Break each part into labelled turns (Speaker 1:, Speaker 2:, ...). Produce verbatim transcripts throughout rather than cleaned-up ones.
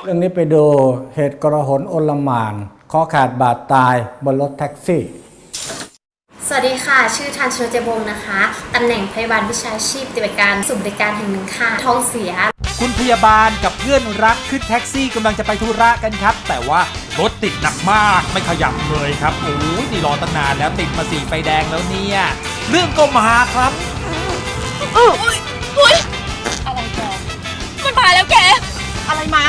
Speaker 1: เรื่องนี้ไปดูเหตุกระหนโอลหม่านคอขาดบาดตายบนรถแท็กซี่
Speaker 2: สวัสดีค่ะชื่อทันชนเจบงนะคะตำแหน่งพยาบาลวิชาชีพปฏิบัติการศูนย์บริการแห่งหนึ่งค่ะท้องเสีย
Speaker 3: คุณพยาบาลกับเพื่อนรักขึ้นแท็กซี่กำลังจะไปธุระกันครับแต่ว่ารถติดหนักมากไม่ขยับเลยครับโอ้ยนี่รอตั้งนานแล้วติดมาสี่ไฟแดงแล้วเนี่ยเรื่องก็มาครับ
Speaker 4: เอออุ้ยอุ้ยอะไรแกมันมาแล้วแกอะไรมา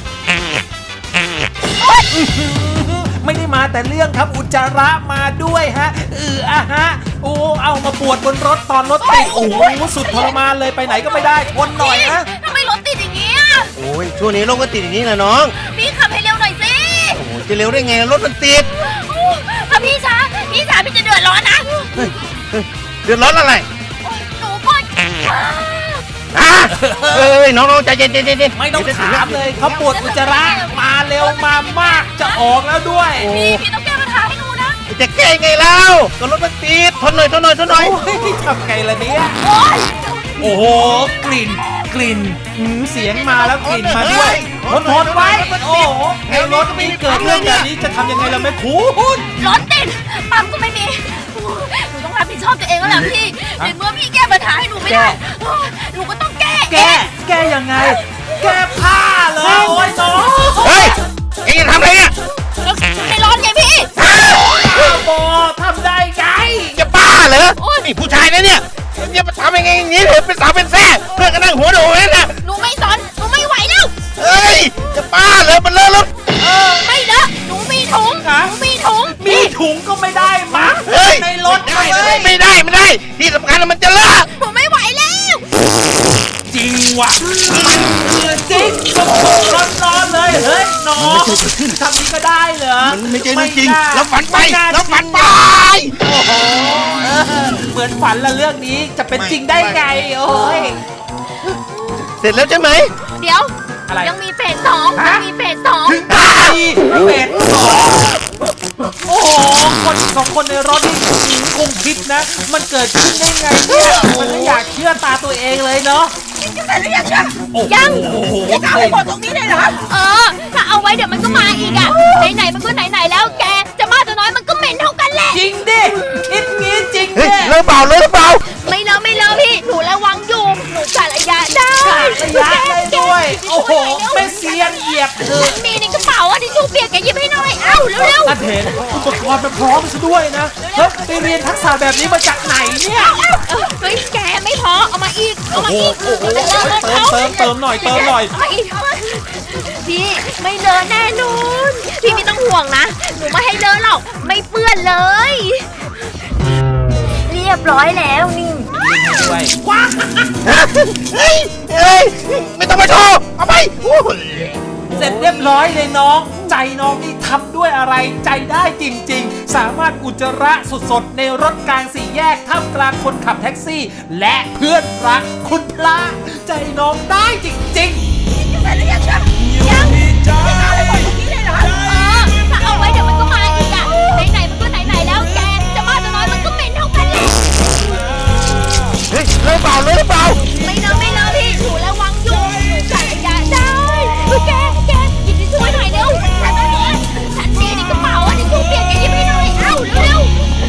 Speaker 3: ไม่ได้มาแต่เรื่องครับอุจจาระมาด้วยฮะเอออะฮะโอ้เอามาปวดบนรถตอนรถติดโอ้โหสุดทรมานเลยไปไหนก็ไม่ได้ทนหน่อยนะ
Speaker 4: ทำไมรถติดอย่างนี้อ่ะ
Speaker 5: โอ้ยช่วงนี้รถก็ติดอย่างนี้แหละน้อง
Speaker 4: พี่ขับให้เร็วหน่อยสิ
Speaker 5: โอ้จะเร็วได้ไงรถมันติด
Speaker 4: ถ้าพี่ช้าพี่ช้าพี่จะเดือดร้อนนะ
Speaker 5: เฮ้ยเดือดร้อนอะไร
Speaker 4: หนูปวด
Speaker 5: อ่ะเอ้ยน้องๆใจเย็นๆๆ
Speaker 3: ไม่ต้องถามเลยเขาปวดอุจจาระมาเร็วมามากจะออกแล้วด้วย
Speaker 4: พี่พี่ต้องแก้ปัญหาให้หนูนะ
Speaker 5: จะแก้ไงแล้วก็รถมันติดทนหน่อยทนหน่อยทนหน่อย
Speaker 3: ทำไงล่ะเนี่ยโอ้โหกลิ่นกลิ่นเสียงมาแล้วกลิ่นมาด้วยทนทนไว้โอ้โหในรถมีเกิดเรื่องแบบนี้จะทำยังไงล่ะแม่คุณ
Speaker 4: รถติดปั๊มก็ไม่มีหนูต้องรับผิดชอบตัวเองแล้วแหละพี่ในเมื่อพี่แก้ปัญหาให้หนูไม่ได้หนูก็ต้องแก้
Speaker 3: แก้แก้ยังไงแก้ผ้าเลยโอ้ยน้อง
Speaker 5: เฮ้ยเอ็งจะทำอะไรเนี่ย
Speaker 4: ให้ร้อนไงพี่
Speaker 3: บอทำได้ไง
Speaker 5: จะบ้าเหรอนี่ผู้ชายนะเนี่ยจะมาทำยังไงอย่างนี้เลยเป็นสาวเป็นแซ่เพื่อนก็นั่งหัวโดดนั่นนะ
Speaker 4: หนูไม่สนหนูไม่ไหวแล้ว
Speaker 5: เฮ้ยจะบ้าเหรอมันเลอะรถ
Speaker 4: เออไม่เลอะหนูมีถุงหนูมีถุง
Speaker 3: มีถุงก็ไม่ได้มั้งในรถ
Speaker 5: เลยไม่ได้ไม่ได้ที่สำคัญมันจะเลอะ
Speaker 4: หนูไม่ไหวแล้ว
Speaker 3: จริงว่ะจริงสดๆร้อนๆเลยเฮ้ยน้องทำนี้ก็ได้เหรอ
Speaker 5: มันไม่ใช่เรื่องจริงแล้วฝันไปแล้วฝันไป
Speaker 3: โอ้โหเหมือนฝันละเรื่องนี้จะเป็นจริงได้ไงโอ้ย
Speaker 5: เสร็จแล้วใช่ไหม
Speaker 4: เดี๋ยวยังมีเฟสสองยังมีเฟสสอง
Speaker 3: ถึงตายเฟสสองโอ้โหคนสองคนในรถนี่คงคิดนะมันเกิดขึ้นได้ไงเนี่ยมันไม่อยากเชื่อตาตัวเองเลยเนาะ
Speaker 4: ยังแต่หรือยังยัง
Speaker 3: โอ้โห
Speaker 4: จะเอาไปหมดตรงนี้เลยเหรอเออถ้าเอาไว้เดี๋ยวมันก็มาอีกอ่ะไหนๆมันก็ไหนๆแล้วแกจะมากจะน้อยมันก็เหม็นเท่ากันแหละ
Speaker 3: จริงดิคิดงี้จริงดิ
Speaker 5: เลอะเปล่าเลอะเปล่า
Speaker 4: ไม่เลอะไม่เลอะพี่หนูระวังอยู่หนูกะระยะได้
Speaker 3: ระยะได้ด้วยโอ้โหไม่เสียนเหยียบเออ
Speaker 4: มีในกระเป๋าอ่ะที่ชูเปียกแกหยิบให้หน่อยเอ้าเร็วๆ
Speaker 3: ท่านเห็นอุปกรณ์มันพร้อมซะด้วยนะเฮ้ยไปเรียนทักษะแบบนี้มาจากไหนเนี่ย
Speaker 4: เฮ้ยแกไม่พอเอามาอีกเอามาอีก
Speaker 3: เติมเติมเติมหน่อยเติมหน่อย
Speaker 4: พี่ไม่เลอะแน่นอนพี่ไม่ต้องห่วงนะหนูไม่ให้เลอะหรอกไม่เปื้อนเลยเรียบร้อยแล้วนี่
Speaker 3: ด้วยว้า
Speaker 5: เฮ้ยเฮ้ยไม่ต้องมาโชว์เอาไป
Speaker 3: เสร็จเรียบร้อยเลยน้องใจน้องนี่ทำด้วยอะไรใจได้จริงๆสามารถอุจจาระสดๆในรถกลางสี่แยกท่ามกลางคนขับแท็กซี่และเพื่อนรักคุณพระใจน้องได้จริงๆ
Speaker 4: ยังยังจะเอาไปหมดตรงนี้เลยเหรอเออถ้าเอาไว้เดี๋ยวมันก็มาอีกอ่ะไหนๆมันก็ไหนๆแล้วแกจะมากจะน้อยมันก็เป็นเท่ากันแหละ
Speaker 5: เฮ้ยเลอะเปล่าเลอะเปล่า
Speaker 4: ไม่เลอะไม่เลอะพี่หนูระวังอยู่หนูกะระยะได้แกแกหยิบทิชชู่หน่อยเร็วฉันไม่ฉันมีในกระเป๋าอ่ะทิชชู่เปียกแกหยิบให้หน่อยเอ้าเร็ว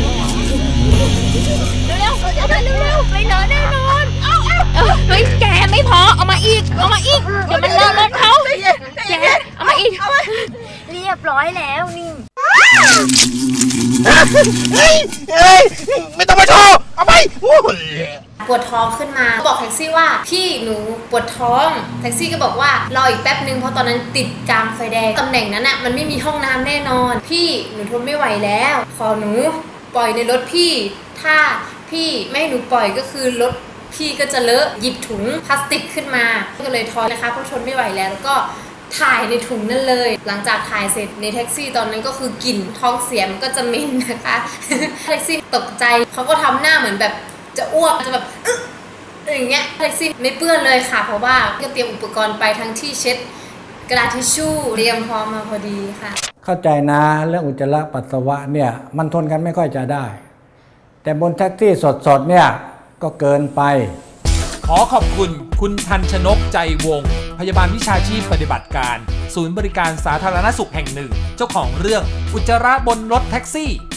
Speaker 4: เร็วเร็วเร็วเร็วเร็วไม่เลอะแน่นอนเอ้าเอ้าเฮ้ยแกไม่พอเอามาอีกเอามาอีกเดี๋ยวมันเลอะรถเขาแกเอามาอีกเรียบร้อยแล้วนี่
Speaker 5: เฮ้ยเฮ้ยไม่ต้องมาโชว์เอาไป
Speaker 2: ปวดท้องขึ้นมาบอกแท็กซี่ว่าพี่หนูปวดท้องแท็กซี่ก็บอกว่ารออีกแป๊บนึงเพราะตอนนั้นติดกลางไฟแดงตำแหน่งนั้นอ่ะมันไม่มีห้องน้ำแน่นอนพี่หนูทนไม่ไหวแล้วขอหนูปล่อยในรถพี่ถ้าพี่ไม่ให้หนูปล่อยก็คือรถพี่ก็จะเลอะหยิบถุงพลาสติกขึ้นมาก็เลยทอนนะคะเพราะทนไม่ไหวแล้วแล้วก็ถ่ายในถุงนั่นเลยหลังจากถ่ายเสร็จในแท็กซี่ตอนนั้นก็คือกลิ่นท้องเสียมันก็จะเหม็นนะคะแท็กซี่ตกใจเขาก็ทำหน้าเหมือนแบบจะอ้วกจะแบบอย่างเงี้ยแท็กซี่ไม่เปื้อนเลยค่ะเพราะว่าก็เตรียมอุปกรณ์ไปทั้งที่เช็ดกระดาษทิชชู่เตรียมพร้อมมาพอดีค่ะ
Speaker 1: เข้าใจนะเรื่องอุจจาระปัสสาวะเนี่ยมันทนกันไม่ค่อยจะได้แต่บนแท็กซี่สดๆเนี่ยก็เกินไป
Speaker 3: ขอขอบคุณคุณทันชนกใจวงศ์พยาบาลวิชาชีพปฏิบัติการ ศูนย์บริการสาธารณสุขแห่งหนึ่ง เจ้าของเรื่องอุจจาระบนรถแท็กซี่